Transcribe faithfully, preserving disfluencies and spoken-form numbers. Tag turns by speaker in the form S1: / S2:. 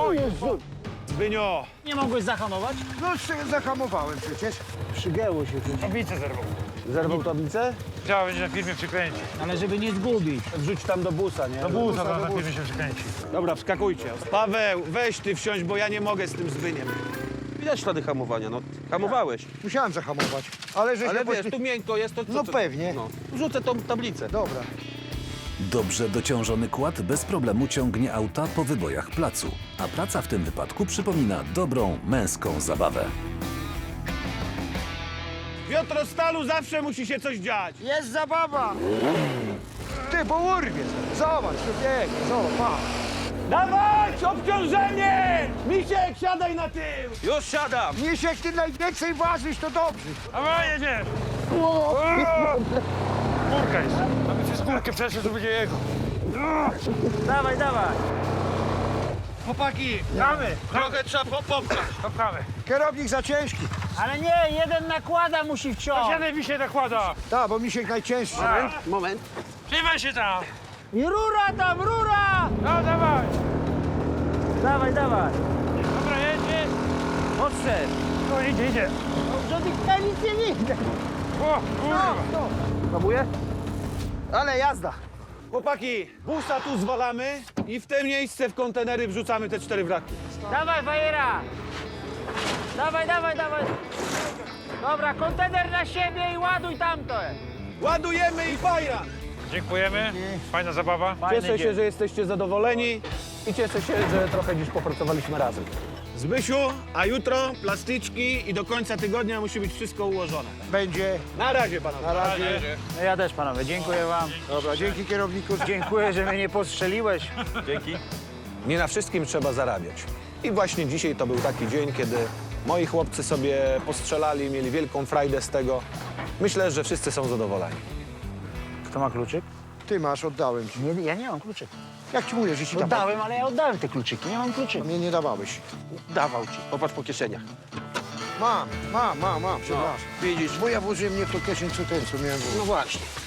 S1: Jezu!
S2: Zbynio!
S3: Nie mogłeś zahamować?
S1: No z- zahamowałem przecież.
S2: Przygięło się coś.
S4: Tablicę zerwał.
S2: Zerwał tablicę?
S4: Trzeba będzie na firmie przykręcić.
S3: Ale żeby nie zgubić.
S2: Wrzuć tam do busa, nie?
S4: Do busa zaraz na firmie się przykręci.
S2: Dobra, wskakujcie. Paweł, weź ty wsiąść, bo ja nie mogę z tym Zbyniem.
S5: Widać ślady hamowania, no. Hamowałeś.
S1: Musiałem zahamować. Ale że
S5: Ale
S1: się
S5: wiesz,
S1: pośpie-
S5: tu miękko jest, to co?
S1: No
S5: to-
S1: pewnie.
S5: No. Rzucę tą tablicę.
S1: Dobra.
S6: Dobrze dociążony kład bez problemu ciągnie auta po wybojach placu, a praca w tym wypadku przypomina dobrą, męską zabawę.
S2: W Piotrostalu zawsze musi się coś dziać.
S1: Jest zabawa! Ty, bo urwie. Zobacz, tu biegnie, zobacz, pa.
S2: Dawać obciążenie! Misiek, siadaj na tył!
S5: Już siadam!
S1: Misiek, ty najwięcej ważysz, to dobrze.
S4: A jedziesz! Górka jest. Mamy przez górkę przeszedł, to będzie jego.
S3: Dawaj, dawaj.
S4: Chłopaki, damy.
S5: Trochę trzeba po- popchać.
S4: Popchamy.
S1: Kierownik za ciężki.
S3: Ale nie, jeden nakłada musi wciąć.
S4: Jeden mi się nakłada.
S1: Tak, bo Misiek najcięższy.
S5: Moment.
S4: Trzymaj się tam.
S3: I rura tam, rura!
S4: No dawaj.
S3: Dawaj, dawaj.
S4: Dobra, jedzie.
S3: Odszedł.
S4: No idzie, idzie.
S3: Że tych nic nie idzie.
S4: O, kurwa.
S1: Próbuję? Ale jazda.
S2: Chłopaki, busa tu zwalamy i w te miejsce w kontenery wrzucamy te cztery wraki.
S3: Dawaj, fajera. Dawaj, dawaj, dawaj. Dobra, kontener na siebie i ładuj tamto.
S2: Ładujemy i fajra!
S4: Dziękujemy. Fajna zabawa.
S2: Cieszę się, że jesteście zadowoleni i cieszę się, że trochę dziś popracowaliśmy razem. Zbysiu, a jutro plastyczki i do końca tygodnia musi być wszystko ułożone.
S1: Będzie.
S2: Na razie, panowie.
S1: Na razie.
S3: No ja też, panowie, dziękuję wam.
S1: Dobra, dzięki kierowniku.
S3: Dziękuję, że mnie nie postrzeliłeś.
S5: Dzięki.
S2: Nie na wszystkim trzeba zarabiać. I właśnie dzisiaj to był taki dzień, kiedy moi chłopcy sobie postrzelali, mieli wielką frajdę z tego. Myślę, że wszyscy są zadowoleni.
S3: Kto ma kluczyk?
S1: Ty masz, oddałem ci.
S3: Nie, ja nie mam kluczyk.
S1: Jak ci mówię, że ci dawałem?
S3: Oddałem, ale ja oddałem te kluczyki, nie mam kluczyka.
S1: Mnie nie dawałeś.
S5: Dawał ci. Popatrz po kieszeniach.
S1: Mam, mam, mam, mam, przepraszam.
S5: Widzisz.
S1: Bo ja włożyłem nie w to kieszeń, co ten, co miałem włożyć.
S5: No właśnie.